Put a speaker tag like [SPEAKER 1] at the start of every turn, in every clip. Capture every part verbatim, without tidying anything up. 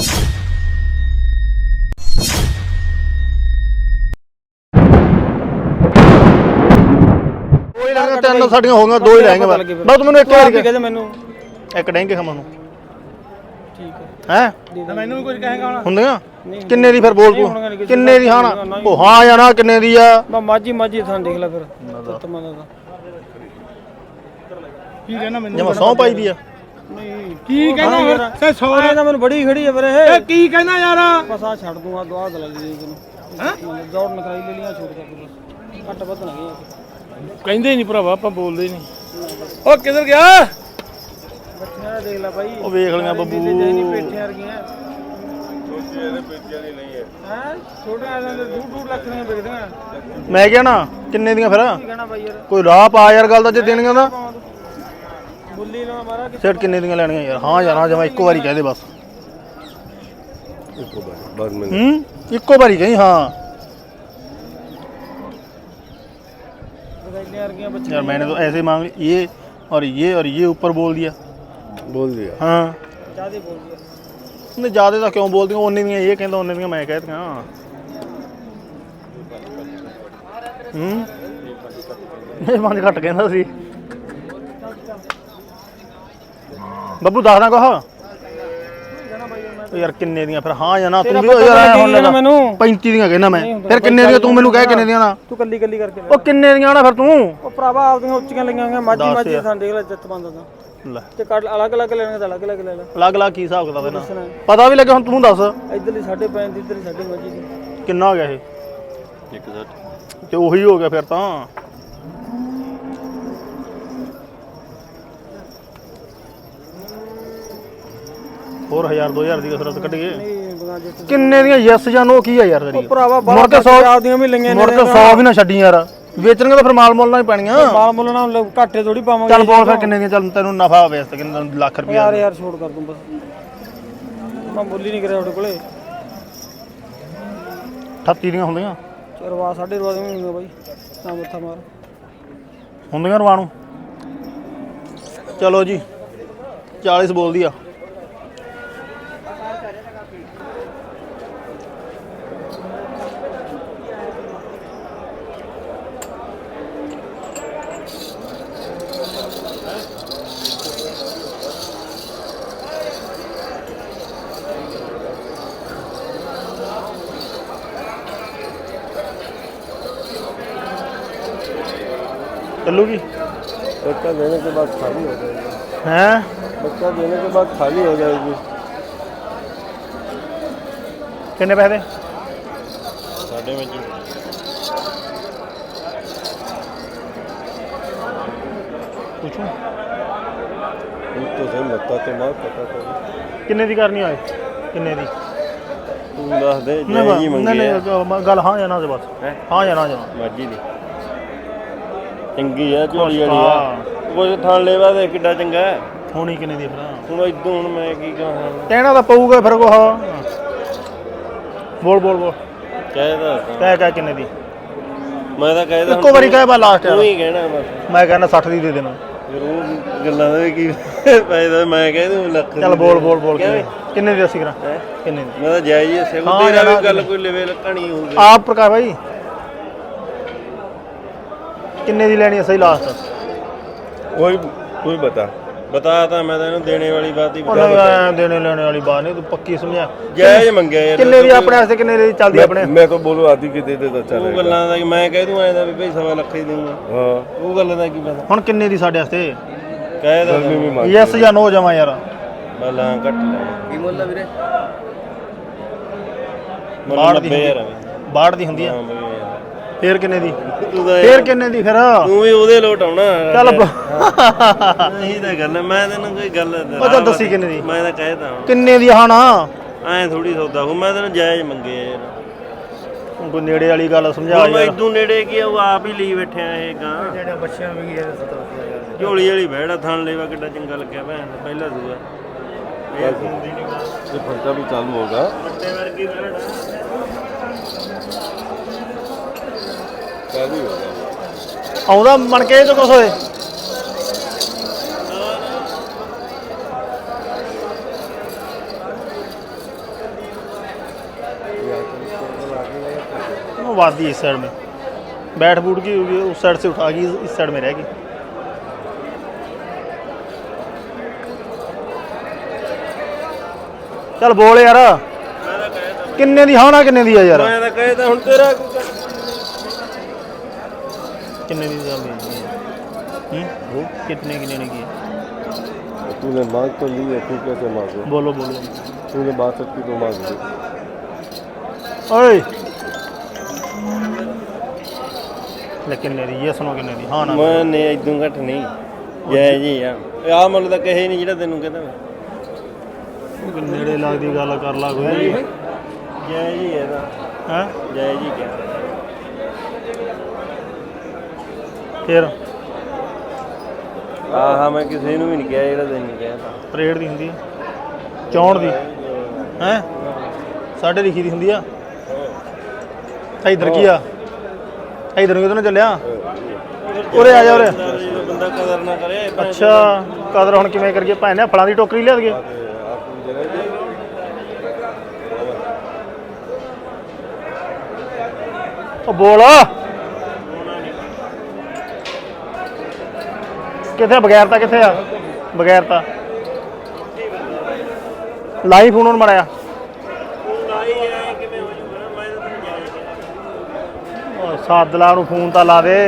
[SPEAKER 1] ਤਿੰਨ ਸਾਡੀਆਂ ਹੋ ਗਈਆਂ, ਦੋ ਹੀ ਲੈਣਗੇ ਬਸ। ਤੂੰ ਮੈਨੂੰ ਇੱਕ ਵਾਰ ਕਹਿ ਮੈਨੂੰ ਇੱਕ ਡੈਂਗੇ ਖਾਵਾਂ ਨੂੰ ਠੀਕ ਹੈ ਹੈ ਮੈਨੂੰ ਵੀ ਕੁਝ ਕਹੇਗਾ ਹੁਣ ਹੁੰਦੀਆਂ ਕਿੰਨੇ ਦੀ ਫਿਰ ਬੋਲ ਤੂੰ ਕਿੰਨੇ ਦੀ? ਹਾਂ ਉਹ ਹਾਂ ਜਾਂ ਨਾ ਕਿੰਨੇ ਦੀ ਆ?
[SPEAKER 2] ਮਾਝੀ ਮਾਝੀ ਥਾਂ ਦੇਖ ਲੈ ਫਿਰ ਤਮਾ ਦਾ ਕੀ ਕਹਿਣਾ ਮੈਨੂੰ?
[SPEAKER 1] ਜਮਾ ਸੌ ਪਾਈ ਦੀ ਆ।
[SPEAKER 2] ਨਹੀਂ ਕੀ ਕਹਿਣਾ ਯਾਰ ਸੇ ਸੌ ਦਾ ਮੈਨੂੰ ਬੜੀ ਖੜੀ ਹੈ ਵੀਰੇ ਇਹ ਕੀ ਕਹਿਣਾ ਯਾਰ? ਬਸ ਆ ਛੱਡ ਦੂੰਗਾ ਦੁਆ ਦਲਾ ਲਈ ਤੈਨੂੰ ਹੈ ਦੌੜ ਨਿਕਾਈ ਲੈ ਲੀਆਂ ਛੋਟ ਕੇ ਬਸ ਘੱਟ ਵੱਧ ਨਾ ਗਿਆ
[SPEAKER 1] ਕਹਿੰਦੇ ਨਹੀਂ ਭਰਾਵਾ ਆਪਾਂ ਬੋਲਦੇ ਨਹੀਂ। ਉਹ ਕਿੱਧਰ ਗਿਆ?
[SPEAKER 2] ਬੱਚਿਆਂ ਦੇਖ ਲੈ ਬਾਈ
[SPEAKER 1] ਉਹ ਵੇਖ ਲਿਆ ਬੱਬੂ
[SPEAKER 2] ਨਹੀਂ ਪੇਟੀਆਂ ਵਰਗੀਆਂ ਛੋਟੇ ਇਹਦੇ ਪੇਟੀਆਂ ਦੀ ਨਹੀਂ ਹੈ ਹੈ ਛੋਟੇ ਆਲਾਂ ਦੇ ਦੋ ਦੋ ਲੱਖ ਦੀਆਂ ਵਿਕਦੀਆਂ।
[SPEAKER 1] ਮੈਂ ਕਿਹਾ ਨਾ ਕਿੰਨੇ ਦੀਆਂ ਫਿਰ?
[SPEAKER 2] ਕੀ ਕਹਿਣਾ ਬਾਈ ਯਾਰ
[SPEAKER 1] ਕੋਈ ਰਾਹ ਪਾ ਯਾਰ ਗੱਲ ਦਾ ਜੇ ਦੇਣੀਆਂ ਦਾ
[SPEAKER 2] ਬੁੱਲੀ ਨਾ ਮਾਰਾ ਕਿ
[SPEAKER 1] ਸੈਟ ਕਿੰਨੇ ਦੀਆਂ ਲੈਣੀਆਂ ਯਾਰ? ਹਾਂ ਯਾਰ ਹਾਂ ਜਮਾ ਇੱਕੋ ਵਾਰੀ ਕਹਿ ਦੇ ਬਸ।
[SPEAKER 3] ਇੱਕੋ ਵਾਰੀ ਬਾਅਦ ਮੈਂ
[SPEAKER 1] ਹੂੰ ਇੱਕੋ ਵਾਰੀ ਕਹੀ ਹਾਂ यार। मैंने तो ऐसे मांग ये और ये और ये ऊपर बोल दिया
[SPEAKER 3] बोल दिया
[SPEAKER 1] हाँ
[SPEAKER 2] ज़्यादा बोल दिया
[SPEAKER 1] नहीं ज़्यादा तो क्यों बोल दिया? उन्ने दियाँ ये कहता उन्ने दियाँ मैं कहता हाँ हम्म नहीं पाँच घट कहता सी बब्बू दस ना कहा यार किन्ने दियां फिर हाँ या ना? तू भी यार हुन मैनू पैंती दियां कहना मैं फिर किन्ने दियां? तू मैनू कह किन्ने दियां ना?
[SPEAKER 2] तू कल्ली कल्ली करके
[SPEAKER 1] ओ किन्ने दियां ना फिर तू?
[SPEAKER 2] ओ भरावा आपदियां ਉੱਚੀਆਂ ਲਈਆਂ ਹੋਈਆਂ ਮਾਝੀ ਮਾਝੀ ਥਾਂ ਦੇਖ ਲੈ ਜੱਤ ਬੰਦਾ ਦਾ
[SPEAKER 1] ਲੈ
[SPEAKER 2] ਤੇ ਕੱਢ ਅਲੱਗ ਅਲੱਗ ਲੈਣਗੇ ਤਾਂ ਅਲੱਗ ਅਲੱਗ ਲੈ ਲੈ
[SPEAKER 1] ਅਲੱਗ ਅਲੱਗ ਕੀ ਹਿਸਾਬ ਕਿਤਾਬ ਇਹਨਾਂ ਪਤਾ ਵੀ ਲੱਗੇ ਹੁਣ ਤੂੰ ਦੱਸ।
[SPEAKER 2] ਇੱਧਰਲੀ ਸਾਢੇ ਪੈਂਤੀ ਦੀ ਇੱਧਰਲੀ ਸਾਢੇ ਮਾਝੀ ਦੀ
[SPEAKER 1] ਕਿੰਨਾ ਹੋ ਗਿਆ ਇਹ?
[SPEAKER 3] ਇੱਕ ਸੱਠ
[SPEAKER 1] ਤੇ ਉਹੀ ਹੋ ਗਿਆ ਫਿਰ ਤਾਂ। ਹੋਰ ਹਜ਼ਾਰ ਦੋ ਹਜ਼ਾਰ ਦੀ ਕਸਰਤ ਕੱਢੀਏ ਕਿੰਨੇ ਦੀਆਂ? ਯੈਸ ਜਾਂ ਨੋ ਕੀ ਆ ਯਾਰ ਤੇਰੀ?
[SPEAKER 2] ਭਰਾਵਾ
[SPEAKER 1] ਮੁੜ ਕੇ ਸੌ
[SPEAKER 2] ਦੀਆਂ ਵੀ ਲਈਆਂ
[SPEAKER 1] ਮੁੜ ਕੇ ਸੌ ਵੀ ਨਾ ਛੱਡੀ ਯਾਰ। ਵੇਚਣਗੇ ਤਾਂ ਫਿਰ ਮਾਲ ਮੁੱਲ ਨਾਲ ਹੀ ਪੈਣੀਆਂ।
[SPEAKER 2] ਮਾਲ ਮੁੱਲ ਨਾਲ ਘਾਟੇ ਥੋੜੀ ਪਾਵਾਂਗੇ।
[SPEAKER 1] ਚੱਲ ਬੋਲ ਫਿਰ ਕਿੰਨੇ ਦੀਆਂ? ਚੱਲ ਤੈਨੂੰ ਨਫਾ ਹੋਵੇ ਇਸ ਤੇ ਕਿੰਨਾ ਲੱਖ ਰੁਪਏ
[SPEAKER 2] ਯਾਰ ਯਾਰ ਛੋੜ ਕਰ ਦੂੰ ਬਸ ਮੈਂ ਬੋਲੀ ਨਹੀਂ ਕਰਿਆ ਤੁਹਾਡੇ ਕੋਲੇ।
[SPEAKER 1] ਅਠੱਤੀ ਦੀਆਂ ਹੁੰਦੀਆਂ
[SPEAKER 2] ਰਵਾ ਸਾਢੇ ਰਵਾ ਦੀਆਂ ਹੁੰਦੀਆਂ ਬਾਈ ਨਾ ਮੱਥਾ ਮਾਰ
[SPEAKER 1] ਹੁੰਦੀਆਂ ਰਵਾ ਨੂੰ। ਚਲੋ ਜੀ ਚਾਲੀਸ ਬੋਲਦੀ ਆ। चलूगी
[SPEAKER 3] बच्चा देने के बाद खाली हो जाएगी
[SPEAKER 1] हैं?
[SPEAKER 3] बच्चा देने के बाद खाली हो जाएगी।
[SPEAKER 1] कितने पैसे?
[SPEAKER 3] साढ़े में
[SPEAKER 1] पूछूं
[SPEAKER 3] तो सही लगता तो मैं पता तो
[SPEAKER 1] किन्ने दी करनी आए? किन्ने दी?
[SPEAKER 3] तू दस दे
[SPEAKER 1] नहीं नहीं गल हाँ या ना से बस हाँ या ना जा
[SPEAKER 3] मर्जी दी ਚੰਗੀ ਆ ਝੋਲੀ ਵਾਲੀ ਆ ਕੁਝ ਥਾਂ ਲੈਵਾ ਤੇ ਕਿੱਡਾ ਚੰਗਾ
[SPEAKER 1] ਹੋਣੀ ਕਿੰਨੇ ਦੀ ਫਿਰ?
[SPEAKER 3] ਹੁਣ ਇਦੋਂ ਹੁਣ ਮੈਂ ਕੀ ਕਹਾਂ
[SPEAKER 1] ਕਹਿਣਾ ਤਾਂ ਪਊਗਾ ਫਿਰ ਕੋ ਹਾਂ ਬੋਲ ਬੋਲ ਬੋਲ
[SPEAKER 3] ਕਹਿਦਾ
[SPEAKER 1] ਕਹਿ ਕਹਿ ਕਿੰਨੇ ਦੀ?
[SPEAKER 3] ਮੈਂ ਤਾਂ ਕਹਿਦਾ
[SPEAKER 1] ਇੱਕੋ ਵਾਰੀ ਕਹਿ ਬਾ ਲਾਸਟ
[SPEAKER 3] ਤੂੰ ਹੀ ਕਹਿਣਾ ਬਸ।
[SPEAKER 1] ਮੈਂ ਕਹਿੰਦਾ ਸੱਠ ਦੀ ਦੇ ਦੇਣਾ।
[SPEAKER 3] ਫਿਰ ਉਹ ਗੱਲਾਂ ਦਾ ਕੀ ਫਾਇਦਾ? ਮੈਂ ਕਹਿ ਦੂੰ ਲੱਖ।
[SPEAKER 1] ਚੱਲ ਬੋਲ ਬੋਲ ਬੋਲ ਕਿੰਨੇ ਦੀ ਅਸੀਂ ਕਰਾਂ? ਕਿੰਨੇ ਦੀ?
[SPEAKER 3] ਮੈਂ ਤਾਂ ਜਾਇਜ਼ ਹੀ ਸੇ ਤੇਰਾ ਵੀ ਗੱਲ ਕੋਈ ਲਵੇ ਲੱਕਣੀ ਹੋਊਗੀ
[SPEAKER 1] ਆਪ ਪ੍ਰਕਾਰ ਭਾਈ किन्ने दी लेनी है सही लास्ट?
[SPEAKER 3] कोई कोई बता बता था मैं तो देने वाली बात ही
[SPEAKER 1] बता देने लेने वाली बात नहीं तू पक्की समझा
[SPEAKER 3] जायज मंगे यार
[SPEAKER 1] किन्ने दी अपने वास्ते किन्ने दी चलदी अपने?
[SPEAKER 3] मैं तो बोलूं आधी की दे दे तो चल वो गल्लां दा कि मैं कह दूं ऐदा भी भाई सवा लाख ही दूंगा हां वो गल्लां दा की पता
[SPEAKER 1] हुन किन्ने दी साडे वास्ते
[SPEAKER 3] कह दा
[SPEAKER 1] यस या नो जमा यार
[SPEAKER 3] बाला कट ले की मोल दा वीरे
[SPEAKER 1] बाढ़ दी बाढ़ दी हुंदी है ਫੇਰ ਕਿੰਨੇ ਦੀ?
[SPEAKER 3] ਤੂੰ ਤਾਂ
[SPEAKER 1] ਫੇਰ ਕਿੰਨੇ ਦੀ ਫਿਰ?
[SPEAKER 3] ਤੂੰ ਵੀ ਉਹਦੇ ਲੋਟ ਆਉਣਾ
[SPEAKER 1] ਚੱਲ
[SPEAKER 3] ਇਹੀ ਤਾਂ ਗੱਲ ਮੈਂ ਤੈਨੂੰ ਕੋਈ ਗੱਲ
[SPEAKER 1] ਉਹ ਤਾਂ ਦੱਸੀ ਕਿੰਨੇ ਦੀ?
[SPEAKER 3] ਮੈਂ ਤਾਂ ਕਹਿਦਾ
[SPEAKER 1] ਕਿੰਨੇ ਦੀ? ਹਾਂ ਨਾ
[SPEAKER 3] ਐ ਥੋੜੀ ਸੌਦਾ ਹੋ ਮੈਂ ਤੈਨੂੰ ਜਾਇਜ਼ ਮੰਗੇ ਯਾਰ
[SPEAKER 1] ਕੋਈ ਨੇੜੇ ਵਾਲੀ ਗੱਲ ਸਮਝਾ ਯਾਰ।
[SPEAKER 3] ਮੈਂ ਇਦੋਂ ਨੇੜੇ ਕੀ ਉਹ ਆਪ ਹੀ ਲਈ ਬੈਠਿਆ ਇਹ ਗਾਂ
[SPEAKER 2] ਜਿਹੜੇ ਬੱਚਿਆਂ ਵੀ ਇਹ ਸਤਾਉਂਦੇ
[SPEAKER 3] ਝੋਲੀ ਵਾਲੀ ਬਹਿੜਾ ਥਣ ਲੈਵਾ ਕਿੱਡਾ ਚੰਗਾ ਲੱਗਿਆ ਭੈਣ ਪਹਿਲਾ ਦੂਆ
[SPEAKER 4] ये फंटा भी चालू होगा चालू ही होगा
[SPEAKER 1] ਆਉਂਦਾ ਮਣ ਕੇ ਜੋ ਕੁਛ ਹੋਏ वादी इस साइड में बैठ बूट की होगी, उस साइड से उठा गई, इस साइड में रहेगी। चल बोल यार किन्ने दी, हाँ ना किन्ने दी है यार,
[SPEAKER 3] मैं तो कहे था हुन तेरा
[SPEAKER 1] किन्ने दी है? हम्म कितने किन्ने ने की?
[SPEAKER 4] तूने मांग तो ली है, तू कैसे मांगे?
[SPEAKER 1] बोलो बोलो।
[SPEAKER 4] तूने बासठ की तो मांग ली।
[SPEAKER 1] ओए ले किन्ने दी? ये सुनो किन्ने दी, हाँ ना?
[SPEAKER 3] मैं नहीं इदों घट नहीं जय जी आ आ मुੱਲ ਤਾਂ ਕਹੇ ਨਹੀਂ ਜਿਹੜਾ ਤੈਨੂੰ ਕਹਿੰਦਾ ਮੈਂ
[SPEAKER 1] ਨੇੜੇ ਲੱਗਦੀ ਗੱਲ ਕਰ ਲਾ ਕੋਈ।
[SPEAKER 3] ਜੈ ਜੀ ਇਹਦਾ
[SPEAKER 1] ਹੈ
[SPEAKER 3] ਜੈ ਜੀ ਕਿਆ
[SPEAKER 1] ਫਿਰ
[SPEAKER 3] ਆਹ ਮੈਂ ਕਿਸੇ ਨੂੰ ਵੀ ਨਹੀਂ ਕਿਹਾ ਜਿਹੜਾ ਤੈਨੂੰ ਕਿਹਾ ਤਾਂ
[SPEAKER 1] ਪਰੇਡ ਦੀ ਹੁੰਦੀ ਹੈ, ਚੌਣ ਦੀ ਹੈ, ਸਾਡੇ ਲਿਖੀ ਦੀ ਹੁੰਦੀ ਆ। ਇਧਰ ਕੀ ਆ, ਇਧਰ ਨੂੰ ਕਿਦੋਂ ਚੱਲਿਆ? ਉਰੇ ਆ ਜਾ ਉਰੇ।
[SPEAKER 3] ਬੰਦਾ ਕਦਰ ਨਾ ਕਰੇ।
[SPEAKER 1] ਅੱਛਾ ਕਦਰ ਹੁਣ ਕਿਵੇਂ ਕਰੀਏ? ਭੈਣ ਨੇ ਫਲਾਂ ਦੀ ਟੋਕਰੀ ਲਿਆ ਦਈਏ। ਉਹ ਬੋਲ ਕਿੱਥੇ? ਬਗੈਰ ਤਾਂ ਕਿੱਥੇ ਆ? ਬਗੈਰ ਤਾਂ ਲਾਈ ਫੋਨ ਹੁਣ ਮੜਿਆ। ਉਹ ਸਾਦਲਾ ਨੂੰ ਫੋਨ ਤਾਂ ਲਾ ਦੇ।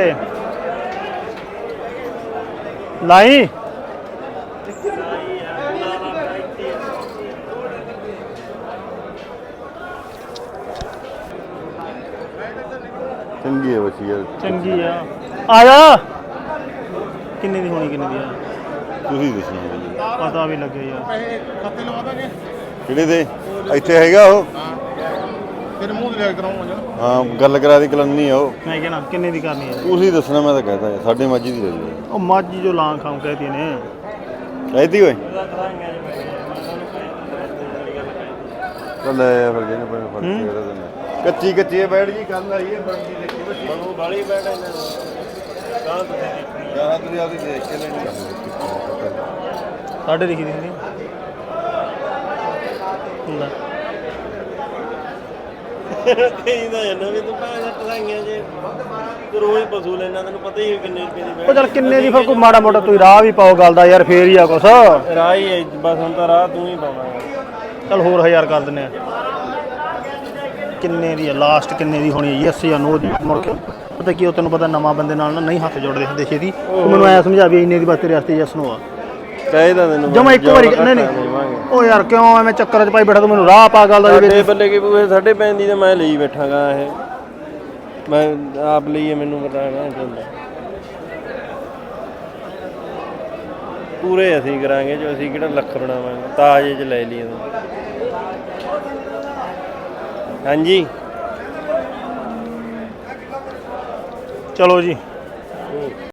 [SPEAKER 1] ਲਾਈ
[SPEAKER 4] ਚੰਗੀ ਹੈ ਬੱਚੀ ਯਾਰ,
[SPEAKER 1] ਚੰਗੀ ਆ। ਆ ਜਾ। ਕਿੰਨੇ ਦੀ ਹੋਣੀ, ਕਿੰਨੇ ਦੀ ਆ?
[SPEAKER 4] ਤੁਸੀਂ ਦੱਸਣਾ ਮੈਨੂੰ।
[SPEAKER 1] ਪਤਾ ਵੀ ਲੱਗੇ ਯਾਰ।
[SPEAKER 4] ਕਿਹੜੇ ਦੇ? ਇੱਥੇ ਹੈਗਾ ਉਹ।
[SPEAKER 1] ਤੇਰੇ ਮੂੰਹ ਤੇ ਲੈ ਕਰਾਉਂਗਾ।
[SPEAKER 4] ਹਾਂ ਗੱਲ ਕਰਾ ਦੀ ਕਲੰਨੀ ਆ ਉਹ।
[SPEAKER 1] ਮੈਂ ਕਹਿਣਾ ਕਿੰਨੇ ਦੀ ਕਰਨੀ ਹੈ?
[SPEAKER 4] ਤੁਸੀਂ ਦੱਸਣਾ, ਮੈਂ ਤਾਂ ਕਹਤਾ ਯਾਰ ਸਾਡੇ ਮਾਝੀ ਦੀ ਲੈ ਲਈ।
[SPEAKER 1] ਉਹ ਮਾਝੀ ਜੋ ਲਾਂ ਖਾਉ ਕਹਤੀ ਨੇ
[SPEAKER 4] ਕਹਿਤੀ ਓਏ ਚੱਲ ਲੈ ਆ ਫਿਰ ਜਿਹਨੇ ਪਰ ਫੜ ਕੇ ਉਹਦਾ ਦਿਨ ਕੱਚੀ ਕੱਚੀ ਬੈਠ ਜੀ ਗੱਲ ਆਈ ਹੈ ਬਣਦੀ ਦੇਖੀ ਬੱਚੀ
[SPEAKER 3] ਉਹ ਬਾਲੀ ਬੈਠ ਇਹਨਾਂ ਨੂੰ ਕਾਂ ਤੁਸੀਂ ਦੇਖਣੀ
[SPEAKER 4] ਗਾਹਾਂ ਤੁਸੀਂ ਆਪਦੀ ਦੇਖ ਕੇ ਲੈਣੀ।
[SPEAKER 1] ਸਾਡੇ ਲਿਖੀ ਦੀ ਹੁੰਦੀ ਲੈ
[SPEAKER 3] ਕਹਿੰਦਾ ਇਹਨਾਂ ਵੀ ਤੂੰ ਪੈਸੇ ਟਸਾਈਆਂ ਜੇ ਤੂੰ ਰੋਜ਼ ਪਸ਼ੂ ਲੈਣਾ, ਤੈਨੂੰ ਪਤਾ ਹੀ ਹੈ ਕਿੰਨੇ ਰੁਪਏ ਦੀ
[SPEAKER 1] ਉਹ ਚੱਲ ਕਿੰਨੇ ਦੀ ਫਿਰ ਕੋਈ ਮਾੜਾ ਮੋਟਾ ਤੁਸੀਂ ਰਾਹ ਵੀ ਪਾਓ ਗੱਲ ਦਾ ਯਾਰ, ਫੇਰ ਹੀ ਆ ਕੁਛ।
[SPEAKER 3] ਰਾਹ ਹੀ ਹੈ ਬਸ, ਹੁਣ ਤਾਂ ਰਾਹ ਤੂੰ ਹੀ ਪਾਉਣਾ।
[SPEAKER 1] ਚੱਲ ਹੋਰ ਹਜ਼ਾਰ ਕਰ ਦਿੰਨੇ ਆ। ਕਿੰਨੇ ਦੀ ਆ ਲਾਸਟ? ਕਿੰਨੇ ਦੀ ਹੋਣੀ ਹੈ? ਯੈਸ ਜਾਂ ਨੋ ਦੀ? ਮੁੜ ਕੇ ਪਤਾ ਕੀ ਉਹ ਤੈਨੂੰ ਪਤਾ ਨਵਾਂ ਬੰਦੇ ਨਾਲ ਨਾ ਨਹੀਂ ਹੱਥ ਜੋੜਦੇ ਹੁੰਦੇ ਛੇਤੀ। ਤੂੰ ਮੈਨੂੰ ਐ ਸਮਝਾ ਵੀ ਇੰਨੇ ਦੀ ਬਸ ਤੇਰੇ ਵਾਸਤੇ ਯੈਸ ਨੋ ਆ।
[SPEAKER 3] ਕਹਿਦਾ ਤੈਨੂੰ
[SPEAKER 1] ਜਮਾ ਇੱਕ ਵਾਰੀ ਨਹੀਂ ਨਹੀਂ ਉਹ ਯਾਰ ਕਿਉਂ ਐਵੇਂ ਚੱਕਰ 'ਚ ਪਾਈ ਬੈਠਾ? ਤੂੰ ਮੈਨੂੰ ਰਾਹ ਪਾ ਗੱਲ ਦਾ
[SPEAKER 3] ਸਾਡੇ ਬੱਲੇ ਕੀ ਪੂਏ ਸਾਡੇ ਪੈਂਦੀ ਤਾਂ ਮੈਂ ਲਈ ਬੈਠਾਗਾ। ਇਹ ਮੈਂ ਆਪ ਲਈਏ, ਮੈਨੂੰ ਪਤਾ ਨਾ ਚੱਲਦਾ। ਪੂਰੇ ਅਸੀਂ ਕਰਾਂਗੇ ਜੋ ਅਸੀਂ ਕਿਹੜਾ ਲੱਖ ਬਣਾਵਾਂਗੇ, ਤਾਜੇ 'ਚ ਲੈ ਲਈਏ। ਹਾਂਜੀ
[SPEAKER 1] ਚਲੋ ਜੀ।